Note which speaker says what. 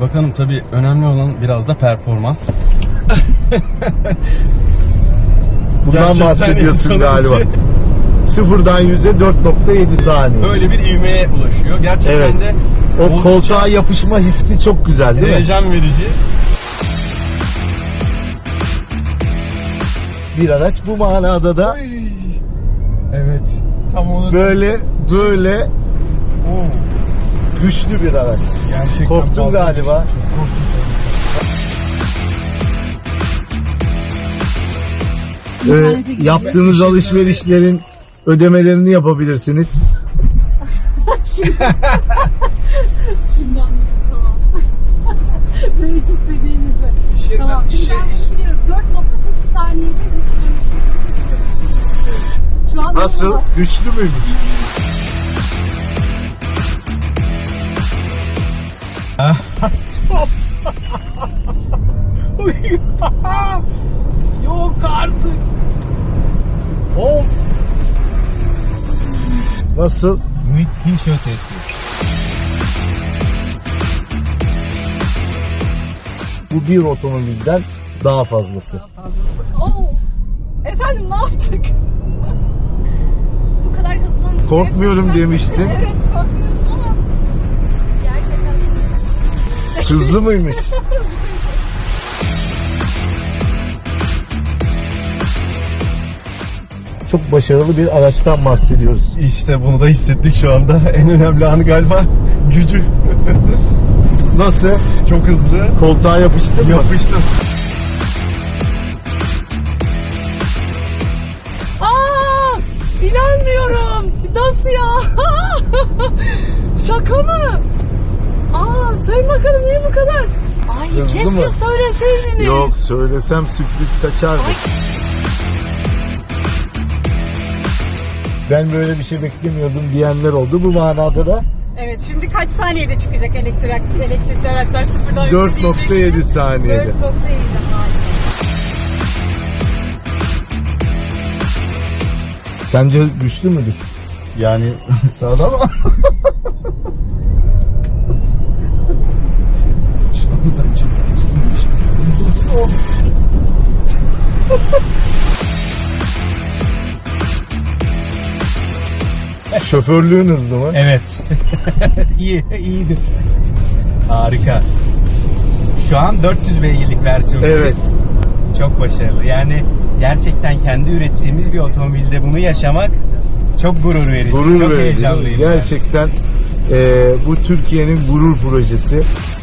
Speaker 1: Bakalım, tabii önemli olan biraz da performans.
Speaker 2: Bundan
Speaker 1: Gerçekten
Speaker 2: bahsediyorsun
Speaker 1: insanın
Speaker 2: galiba.
Speaker 1: içi-
Speaker 2: Sıfırdan 100'e 4.7 saniye.
Speaker 1: Böyle bir ivmeye ulaşıyor. Gerçekten
Speaker 2: Evet.
Speaker 1: de
Speaker 2: O
Speaker 1: oldukça
Speaker 2: koltuğa yapışma hissi çok güzel değil mi?
Speaker 1: heyecan verici.
Speaker 2: Bir araç bu manada da
Speaker 1: Evet. Tam onu
Speaker 2: böyle
Speaker 1: Oo,
Speaker 2: güçlü bir araç.
Speaker 1: gerçekten
Speaker 2: Korktun
Speaker 1: fazla
Speaker 2: galiba.
Speaker 1: güçlü. Çok korktum.
Speaker 2: Yaptığınız alışverişlerin ödemelerini yapabilirsiniz.
Speaker 3: Şimdi anladım, tamam. Demek istediğinizi. Tamam. Şimdi ben biliyorum. 4.8 saniyede şu an
Speaker 2: Nasıl? Güçlü müymüş?
Speaker 1: Yok artık. Of.
Speaker 2: Nasıl?
Speaker 1: Müthiş ötesi.
Speaker 2: Bu bir otomobilden daha fazlası.
Speaker 3: Oo. Efendim, ne yaptık? Bu kadar hızlan.
Speaker 2: Korkmuyorum
Speaker 3: Gerçekten-
Speaker 2: demiştin.
Speaker 3: Evet, korkmuyordum ama gerçekten
Speaker 2: Hızlı mıymış? Çok başarılı bir araçtan bahsediyoruz.
Speaker 1: İşte bunu da hissettik şu anda. En önemli anı galiba gücü.
Speaker 2: Nasıl?
Speaker 1: Çok hızlı.
Speaker 2: Koltuğa yapıştın mı?
Speaker 1: Yapıştım.
Speaker 3: Aa, inanmıyorum. Nasıl ya? Şaka mı? Aa, söyle bakalım, niye bu kadar? Ay,
Speaker 2: Hızlı
Speaker 3: keşke
Speaker 2: mı?
Speaker 3: söyleseydiniz.
Speaker 2: Yok, söylesem sürpriz kaçardı.
Speaker 3: Ay.
Speaker 2: Ben böyle bir şey beklemiyordum diyenler oldu. Bu manada da
Speaker 4: Evet, şimdi kaç saniyede çıkacak elektrikli araçlar sıfırdan
Speaker 2: 4.7 saniyede.
Speaker 4: 4.7
Speaker 2: Sence güçlü müdür?
Speaker 1: Yani sağda ama. Şu anda çok güçlüymüş.
Speaker 2: Şoförlüğün hızlı mı?
Speaker 1: Evet. iyidir. Harika. Şu an 400 beygirlik versiyonumuz.
Speaker 2: Evet.
Speaker 1: Çok başarılı. Yani gerçekten kendi ürettiğimiz bir otomobilde bunu yaşamak çok gurur verici.
Speaker 2: Gurur
Speaker 1: çok
Speaker 2: verici.
Speaker 1: heyecanlıyım.
Speaker 2: Gerçekten bu Türkiye'nin gurur projesi.